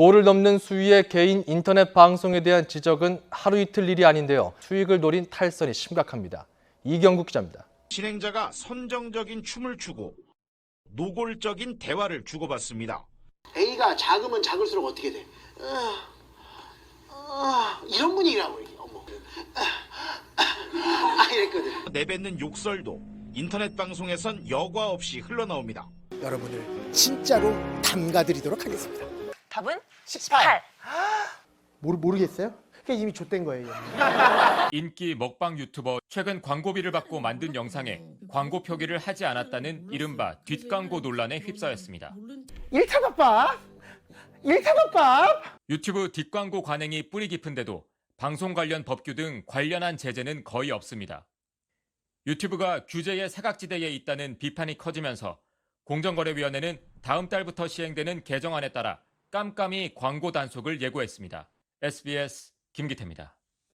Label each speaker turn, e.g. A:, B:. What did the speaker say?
A: 도를 넘는 수위의 개인 인터넷 방송에 대한 지적은 하루 이틀 일이 아닌데요. 수익을 노린 탈선이 심각합니다. 이경국 기자입니다.
B: 진행자가 선정적인 춤을 추고 노골적인 대화를 주고받습니다.
C: A가 작으면 작을수록 어떻게 돼? 이런 분위기라고 이게. 이랬거든.
B: 내뱉는 욕설도 인터넷 방송에선 여과 없이 흘러나옵니다.
D: 여러분을 진짜로 담가드리도록 하겠습니다.
E: 답은 18.
D: 모르겠어요? 그게 이미 좆된 거예요.
F: 인기 먹방 유튜버 최근 광고비를 받고 만든 영상에 광고 표기를 하지 않았다는 이른바 뒷광고 논란에 휩싸였습니다.
D: 1차덮밥! 1차덮밥!
F: 유튜브 뒷광고 관행이 뿌리 깊은데도 방송 관련 법규 등 관련한 제재는 거의 없습니다. 유튜브가 규제의 사각지대에 있다는 비판이 커지면서 공정거래위원회는 다음 달부터 시행되는 개정안에 따라 깜깜이 광고 단속을 예고했습니다. SBS 김기태입니다.